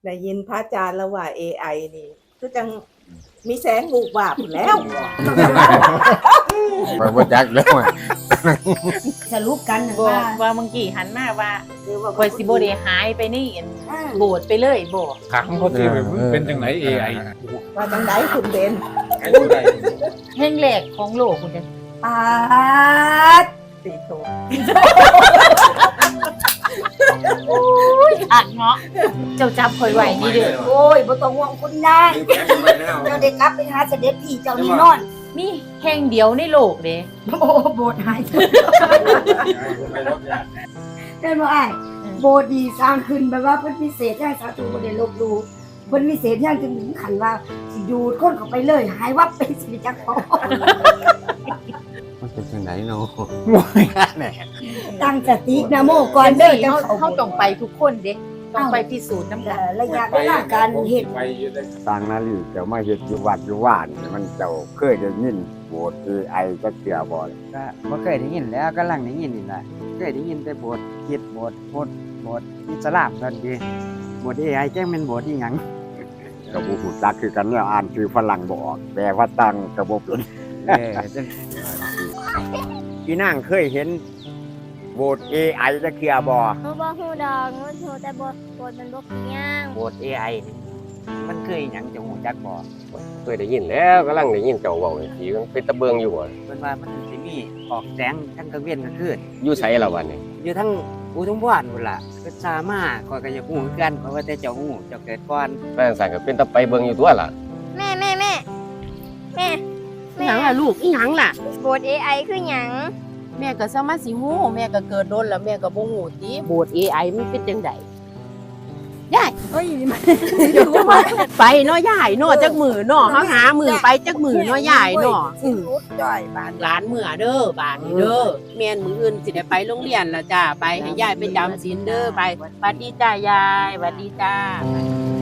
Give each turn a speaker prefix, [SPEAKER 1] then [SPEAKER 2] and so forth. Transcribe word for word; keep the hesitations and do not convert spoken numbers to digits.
[SPEAKER 1] ได้ยินพระอาจารย์แล้วว่า เอ ไอ นี่คือจังมีแสงบูบวาบอยู่แล้ว
[SPEAKER 2] ไปบ่จักแล้วอะ
[SPEAKER 3] สรุปกัน
[SPEAKER 4] บอ
[SPEAKER 3] ว่า
[SPEAKER 4] กว่าเมื่อกี้หันมาว่าคอยสิบ่ได้หายไปนี่อันโบดไปเลยบ่
[SPEAKER 5] ถามเขาที่เป็นจังไหน เอ ไอ
[SPEAKER 1] ว่าจังไดคุณเบน
[SPEAKER 4] แห่งแรกของโลกคุณจะ
[SPEAKER 3] ปาด
[SPEAKER 1] สีโต
[SPEAKER 4] อักเนาะเจ้าจับคอยไว้นี่เด้อ
[SPEAKER 3] โอ้ยบ่ต้องห่วงคุณนายเจ้าได้กลับไปหาเสด็จพี่เจ้านี่นอน
[SPEAKER 4] มีแห่งเดียวในโลกเด้
[SPEAKER 3] โอ้โบสถ์หายเดินมาอ้ายโบสถ์ดีสร้างขึ้นแบบว่าเพิ่นพิเศษอย่างสาธุบ่ได้ลบหลู่เพิ่นพิเศษอย่างถึงขั้นว่าสิดูดคนเข้าไปเลยหายวับเป็นสิริจักรพอ
[SPEAKER 2] มันเป็นจังไดเนาะ
[SPEAKER 3] ตั้งสตินะโมก่อนเด้อจัง
[SPEAKER 4] เฮา
[SPEAKER 3] เข้า
[SPEAKER 4] เฮาต้องไปทุกคนเด้ต้องไปพิสูจน์นำกัน
[SPEAKER 3] ระยะเวลาการเฮ็ด
[SPEAKER 2] สร้างนาฬิกามาเฮ็ดอยู่วัดอยู่ว่านนี่มันเจ้าเคยได้ยินโบสถ์ เอ ไอ จักเทื่อบ่
[SPEAKER 6] ก็บ่เคยได้ยินแล้วกำลังได้ยินนี่ล่ะเคยได้ยินแต่บทคิดบทบทบทอิสลามกันดีบท เอ ไอ แจ้งเป็นบทอีหยัง
[SPEAKER 2] ก็บ่ฮู้จักคือกันเนี่ยอ่านชื่อฝรั่งบ่ออกแปลว่าตั้งก็บ่เป็น
[SPEAKER 6] เออจัง
[SPEAKER 2] พี่นางเคยเห็นโบสถ์ เอ ไอ จักเทื่อบ่
[SPEAKER 7] หนูบอกหูดอกหนูหูแต่บทบทมันบกย่าง
[SPEAKER 6] บท เอ ไอ นี่มันเคยหยังจะฮู้จักบ่
[SPEAKER 8] เคยได้ยินแล้วกำลังได้ยินเจ้าเว้าอีกทีมันเป็นตะเบิงอยู่บ่
[SPEAKER 6] เพิ่นว่ามันสิมีออกแสงทั้งกลางเว้นกลางคืน
[SPEAKER 8] อยู่ไสล่ะวันนี้
[SPEAKER 6] อยู่ทั้งอุทุมพรพุ่นล่ะก็สามารถข้อยก็อยากฮู้คือกันเพราะว่าแต่เจ้าฮู้เจ้าเกิดก่อน
[SPEAKER 8] แม่นสั่นก็เป็นตะไปเบิงอยู่ตัวล่ะ
[SPEAKER 7] แม่แม่แม่แม่แม่
[SPEAKER 9] หยังล่ะลูกอีหยังล่ะ
[SPEAKER 7] บท เอ ไอ คือหยัง
[SPEAKER 9] แม่ก็สามารถสิฮู้แม่ก็เกิดโดนแล้วแม่ก็บ่ฮู้ติโบสถ์ เอ ไอ มันเป็นจังไดยายเอ้ยมันไปเนาะยายเนาะจักมือเนาะเฮาหามือไปจักมือเนาะยายเนาะอือ
[SPEAKER 3] รุดจ่อยบาน
[SPEAKER 9] หลานมื้อเด้อบาดนี้เด้อแม่นมื้ออื่นสิได้ไปโรงเรียนแล้วจ้าไปให้ยายไปจำศีลเด้อไปสวัสดีจ้ายายสวัสดีจ้า